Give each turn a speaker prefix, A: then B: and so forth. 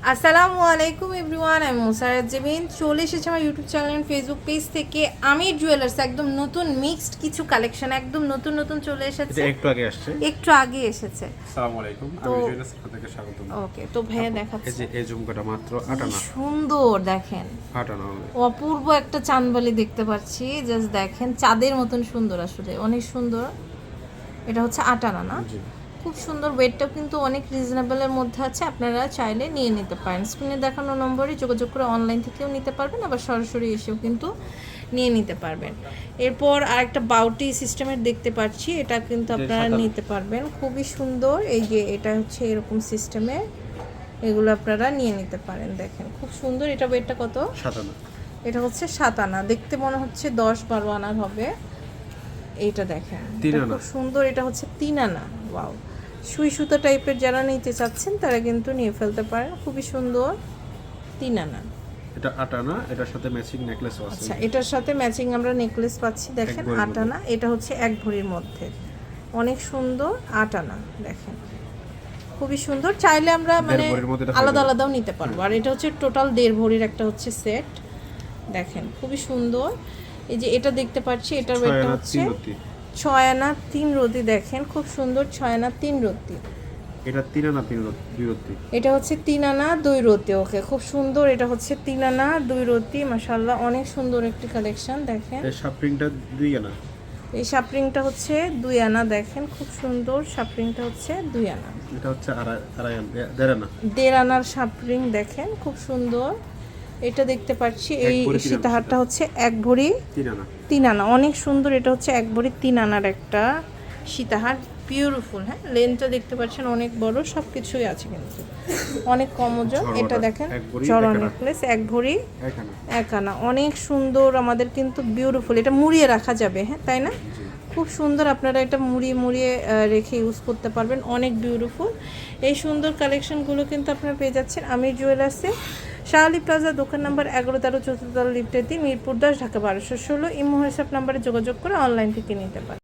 A: আসসালামু আলাইকুম এভরিওয়ান, আমি মুসারাত জেবিন। চলে এসেছে আমার ইউটিউব চ্যানেল ফেসবুক পেজ থেকে আমির জুয়েলার্স। একদম নতুন মিক্সড কিছু কালেকশন, একদম নতুন নতুন চলে এসেছে। একটু আগে এসেছে।
B: আসসালামু আলাইকুম, আমি জুয়েলার্স থেকে স্বাগতম।
A: ওকে, তো ভাইয়া দেখাচ্ছি।
B: এই যে এই ঝুমকাটা মাত্র 8 আনা।
A: সুন্দর, দেখেন
B: 8 আনা হবে।
A: অপূর্ব একটা চাঁদবালি দেখতে পাচ্ছি। জাস্ট দেখেন, চাঁদের মতন সুন্দর, আসলে অনেক সুন্দর। এটা হচ্ছে 8 আনা না?
B: জি।
A: খুব সুন্দর। ওয়েটটাও কিন্তু অনেক রিজনেবলের মধ্যে আছে, আপনারা চাইলে নিয়ে নিতে পারেন। স্ক্রিনে দেখানো নম্বরে যোগাযোগ করে অনলাইন থেকেও নিতে পারবেন, আবার সরাসরি এসেও কিন্তু নিয়ে নিতে পারবেন। এরপর আরেকটা বাউটি সিস্টেমের দেখতে পাচ্ছি, এটা কিন্তু আপনারা নিতে পারবেন। খুবই সুন্দর। এই যে এটা হচ্ছে এরকম সিস্টেমের, এগুলো আপনারা নিয়ে নিতে পারেন। দেখেন খুব সুন্দর। এটা ওয়েটটা কত?
B: 7 আনা।
A: এটা হচ্ছে 7 আনা। দেখতে মনে হচ্ছে 10-12 আনার হবে। এইটা দেখেন, খুব সুন্দর। এটা হচ্ছে 3 আনা। ওয়াও, সুই সুতো টাইপের যারা নিতে চাচ্ছেন তারা কিন্তু নিয়ে ফেলতে পারেন। খুবই সুন্দর, 3 আনা।
B: এটা 8 আনা, এটার সাথে ম্যাচিং নেকলেসও আছে।
A: আচ্ছা, এটার সাথে ম্যাচিং আমরা নেকলেস পাচ্ছি। দেখেন 8 আনা। এটা হচ্ছে 1 ভরির মধ্যে, অনেক সুন্দর। 8 আনা দেখেন, খুবই সুন্দর। চাইলে আমরা মানে আলাদা আলাদাও নিতে পারবো। আর এটা হচ্ছে টোটাল 1.5 ভরির একটা হচ্ছে সেট। দেখেন খুবই সুন্দর। এই যে এটা দেখতে পাচ্ছি, এটার ওয়েটটা হচ্ছে 6 আনা 3 রতি। দেখেন খুব সুন্দর, 6 আনা 3 রতি।
B: এটা 3 আনা 2 রতি।
A: এটা হচ্ছে 3 আনা 2 রতি। ওকে, খুব সুন্দর। এটা হচ্ছে 3 আনা 2 রতি। মাশাআল্লাহ, অনেক সুন্দর একটি কালেকশন। দেখেন
B: এই শাপরিংটা 2 আনা।
A: এই শাপরিংটা হচ্ছে 2 আনা। দেখেন খুব সুন্দর, শাপরিংটা হচ্ছে 2 আনা।
B: এটা হচ্ছে আড়াই আনা, 1.5 আনা।
A: 1.5 আনার শাপরিং। দেখেন খুব সুন্দর। এটা দেখতে পাচ্ছি, এই সীতাহারটা হচ্ছে 1 ভরি
B: 3 আনা।
A: 3 আনা, অনেক সুন্দর। এটা হচ্ছে 1 ভরি 3 আনার একটা সীতাহার, বিউটিফুল। হ্যাঁ, লেনটা দেখতে পাচ্ছেন অনেক বড়, সব কিছুই আছে কিন্তু অনেক কম ওজন। এটা দেখেন জড়া নেকলেস, 1 ভরি 1 আনা, অনেক সুন্দর। আমাদের কিন্তু বিউটিফুল। এটা মুড়িয়ে রাখা যাবে, হ্যাঁ তাই না? খুব সুন্দর। আপনারা এটা মুড়িয়ে মুড়িয়ে রেখে ইউজ করতে পারবেন, অনেক বিউটিফুল। এই সুন্দর কালেকশনগুলো কিন্তু আপনারা পেয়ে যাচ্ছেন আমির জুয়েলার্সে, শাহ আলী প্লাজা, দোকান নাম্বার 11-13, 4th তলা, লিফটের 3, মিরপুর 10, ঢাকা 1216। ইমো হোয়াটসঅ্যাপ নাম্বারে যোগাযোগ করে অনলাইন থেকে নিতে পারেন।